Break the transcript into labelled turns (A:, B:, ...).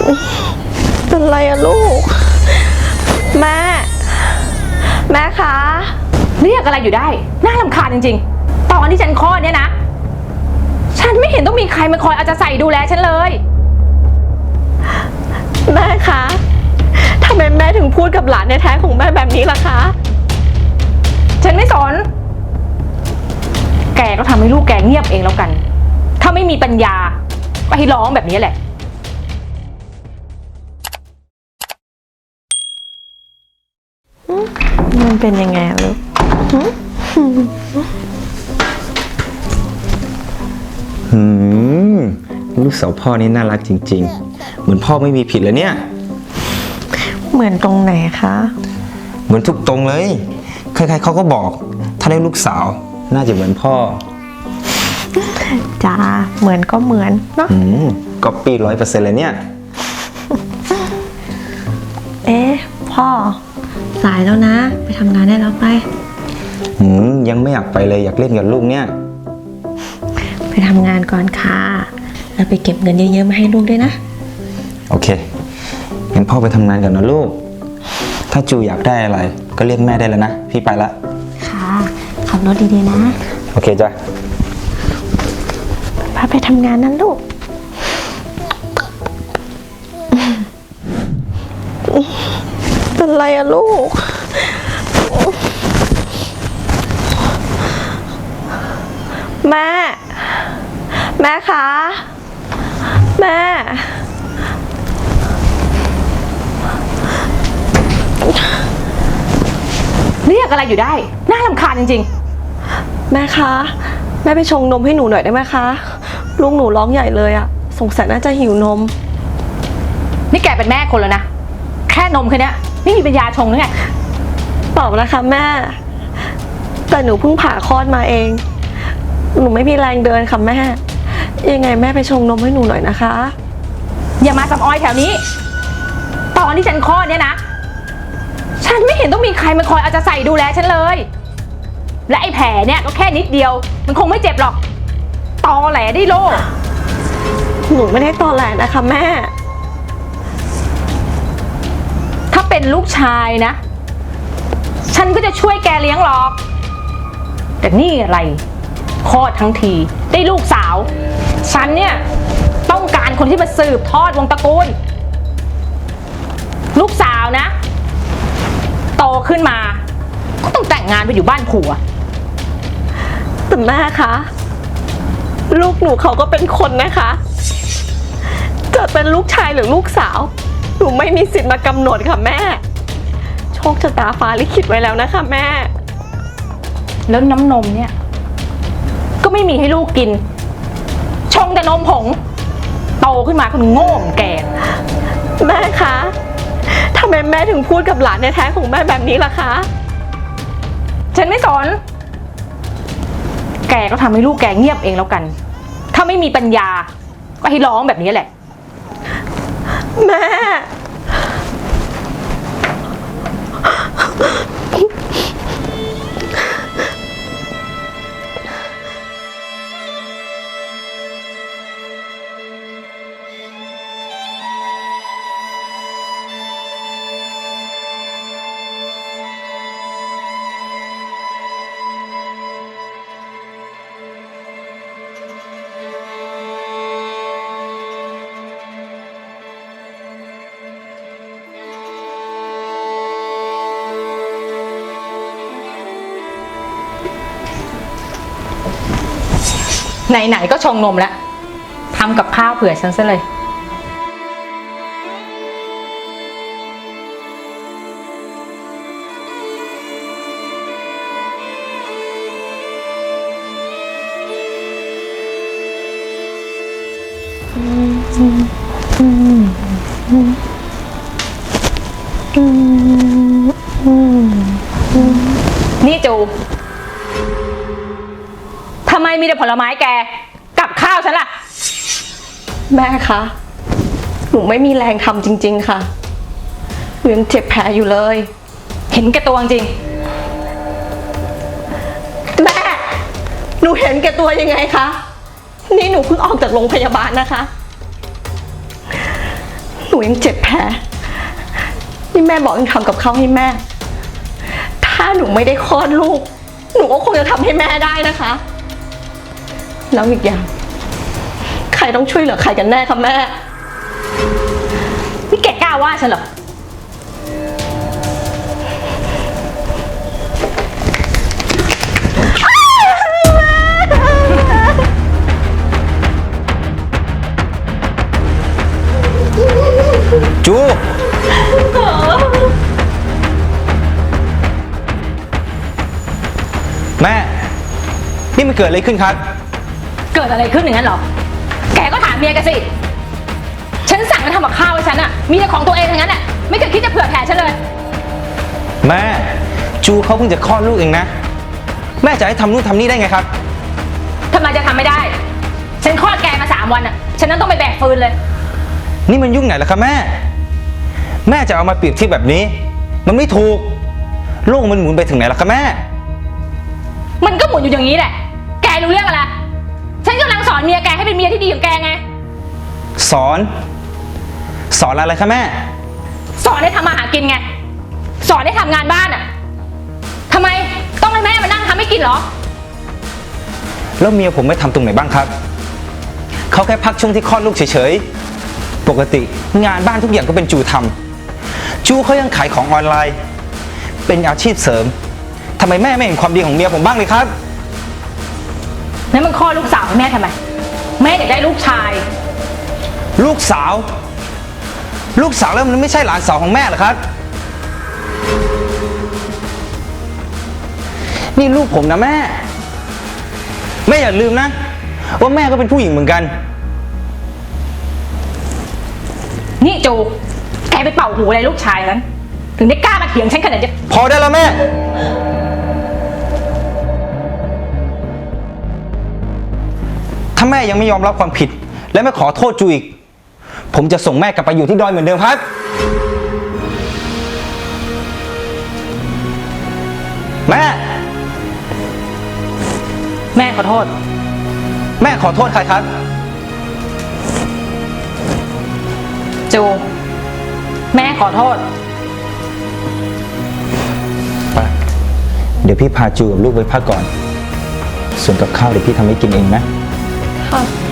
A: เป็นไรอะลูกแม่คะ
B: เรียกอะไรอยู่ได้น่ารำคาญจริงๆตอนที่ฉันคลอดเนี่ยนะฉันไม่เห็นต้องมีใครมาคอยเอาใจใส่ดูแลฉันเลย
A: แม่คะทำไมแม่ถึงพูดกับหลานแท้ๆของแม่แบบนี้ล่ะคะ
B: ฉันไม่สนแกก็ทำให้ลูกแกเงียบเองแล้วกันถ้าไม่มีปัญญาก็ให้ร้องแบบนี้แหละ
A: มันเป็นยังไงลูก
C: ลูกสาวพ่อนี่น่ารักจริงๆเหมือนพ่อไม่มีผิดเลยเนี่ย
A: เหมือนตรงไหนคะ
C: เหมือนทุกตรงเลยใครๆเขาก็บอกถ้าได้ลูกสาวน่าจะเหมือนพ่อ
A: จ้าเหมือนก็เหมือนเนาะ
C: ก๊อปปี้100%เลยเนี่ย
A: พ่อสายแล้วนะไปทำงานได้แล้วไป
C: ยังไม่อยากไปเลยอยากเล่นกับลูกเนี่ย
A: ไปทำงานก่อนค่ะแล้วไปเก็บเงินเยอะๆมาให้ลูกด้วยนะ
C: โอเคงั้นพ่อไปทำงานก่อนนะลูกถ้าจูอยากได้อะไรก็เรียกแม่ได้แล้วนะพี่ไปละ
A: ค่ะขับรถดีๆนะ
C: โอเคจ้ะ
A: พาไปทำงานนั่นลูกเป็นไรอะลูกแม่คะแม่
B: เรียกอะไรอยู่ได้น่ารำคาญจริง
A: ๆแม่คะแม่ไปชงนมให้หนูหน่อยได้ไหมคะลูกหนูร้องใหญ่เลยอะสงสัยน่าจะหิวนม
B: นี่แกเป็นแม่คนแล้วนะแค่นมแค่นี้ไม่มีปัญญาชงหรือไง
A: เปล่านะคะแม่แต่หนูเพิ่งผ่าคลอดมาเองหนูไม่มีแรงเดินค่ะแม่ยังไงแม่ไปชงนมให้หนูหน่อยนะคะ
B: อย่ามาสำออยแถวนี้ตอนที่ฉันคลอดเนี่ยนะฉันไม่เห็นต้องมีใครมาคอยเอาใจใส่ดูแลฉันเลยและไอ้แผลเนี่ยก็แค่นิดเดียวมันคงไม่เจ็บหรอกตอแหลได้โล
A: หนูไม่ได้ตอแหลนะคะแม่
B: ถ้าเป็นลูกชายนะฉันก็จะช่วยแกเลี้ยงหรอกแต่นี่อะไรคลอดทั้งทีได้ลูกสาวฉันเนี่ยต้องการคนที่มาสืบทอดวงตระกูลลูกสาวนะโตขึ้นมาก็ต้องแต่งงานไปอยู่บ้านผัว
A: แต่แม่คะลูกหนูเขาก็เป็นคนนะคะจะเป็นลูกชายหรือลูกสาวหนูไม่มีสิทธิ์มากำหนดค่ะแม่โชคชะตาฟ้าลิขิตไว้แล้วนะคะแม่
B: แล้วน้ำนมเนี่ยก็ไม่มีให้ลูกกินชงแต่นมผงโตขึ้นมาคนโง่เหมือนแก
A: แม่คะทำไมแม่ถึงพูดกับหลานแท้ๆของแม่แบบนี้ล่ะคะ
B: ฉันไม่สนแกก็ทำให้ลูกแกเงียบเองแล้วกันถ้าไม่มีปัญญาก็ให้ร้องแบบนี้แหละ
A: แม่
B: ไหนๆก็ชงนมแล้วทำกับข้าวเผื่อฉันซะเลยนี่จูทำไมมีแต่ผลไม้แกกับข้าวฉันล่ะ
A: แม่คะหนูไม่มีแรงทำจริงๆค่ะหนูยังเจ็บแผลอยู่เลย
B: เห็นแก่ตัวจริง
A: แม่หนูเห็นแก่ตัวยังไงคะนี่หนูเพิ่งออกจากโรงพยาบาลนะคะหนูนูยังเจ็บแผลนี่แม่บอกยังทำกับข้าวให้แม่ ถ้าหนูไม่ได้คลอดลูก หนูก็คงจะทำให้แม่ได้นะคะ แล้วอีกอย่าง ใครต้องช่วยเหลือใครกันแน่คะแม่
B: นี่แกกล้าว่าฉันเหรอ
C: จู แม่ นี่มันเกิดอะไรขึ้นครับ
B: เกิดอะไรขึ้นอย่างนั้นเหรอ แกก็ถามเมียแกสิ ฉันสั่งให้ทำกับข้าวให้ฉันอะมีแต่ของตัวเองทั้งนั้นอะไม่เคยคิดจะเผื่อแผ่ฉันเลย
C: แม่ จูเขาเพิ่งจะคลอดลูกเองนะ แม่จะให้ทำนู่นทำนี่ได้ไงครับ
B: ทำไมจะทำไม่ได้ ฉันคลอดแกมา3 วันอะฉันนั้นต้องไปแบกฟืนเลย
C: นี่มันยุ่งไหนล่ะครับแม่ แม่จะเอามาเปรียบเทียบแบบนี้ มันไม่ถูก โลกมันหมุนไปถึงไหนล่ะครับแม่
B: มันก็หมุนอยู่อย่างนี้แหละ แกรู้เรื่องอะไร ฉันกำลังสอนเมียแกให้เป็นเมียที่ดีของแกไง
C: สอนอะไรครับแม่
B: สอนให้ทำมาหากินไง สอนให้ทำงานบ้านอะทำไมต้องให้แม่มานั่งทำให้กินเหรอ
C: แล้วเมียผมไม่ทำตรงไหนบ้างครับ เขาแค่พักช่วงที่คลอดลูกเฉยๆ ปกติงานบ้านทุกอย่างก็เป็นจูทำ จูเขายังขายของออนไลน์ เป็นอาชีพเสริม ทำไมแม่ไม่เห็นความดีของเมียผมบ้างเลยครับ
B: แล้วมันคลอดลูกสาวให้แม่ทำไม แม่อยากได้ลูกชาย
C: ลูกสาว แล้วมันไม่ใช่หลานสาวของแม่เหรอครับ นี่ลูกผมนะแม่ แม่อย่าลืมนะ ว่าแม่ก็เป็นผู้หญิงเหมือนกัน
B: นี่จู แกไปเป่าหูอะไรลูกชายนั้น ถึงได้กล้ามาเถียงฉันขนาดนี้
C: พอได้แล้วแม่ ถ้าแม่ยังไม่ยอมรับความผิด และไม่ขอโทษจูอีก ผมจะส่งแม่กลับไปอยู่ที่ดอยเหมือนเดิมครับ แม่
B: แม่ขอโทษ
C: แม่ขอโทษใครครับ
B: จู แม่ขอโทษ
C: ไปเดี๋ยวพี่พาจูกับลูกไปพักก่อน ส่วนกับข้าวเดี๋ยวพี่ทำให้กินเองนะ
A: ค่ะ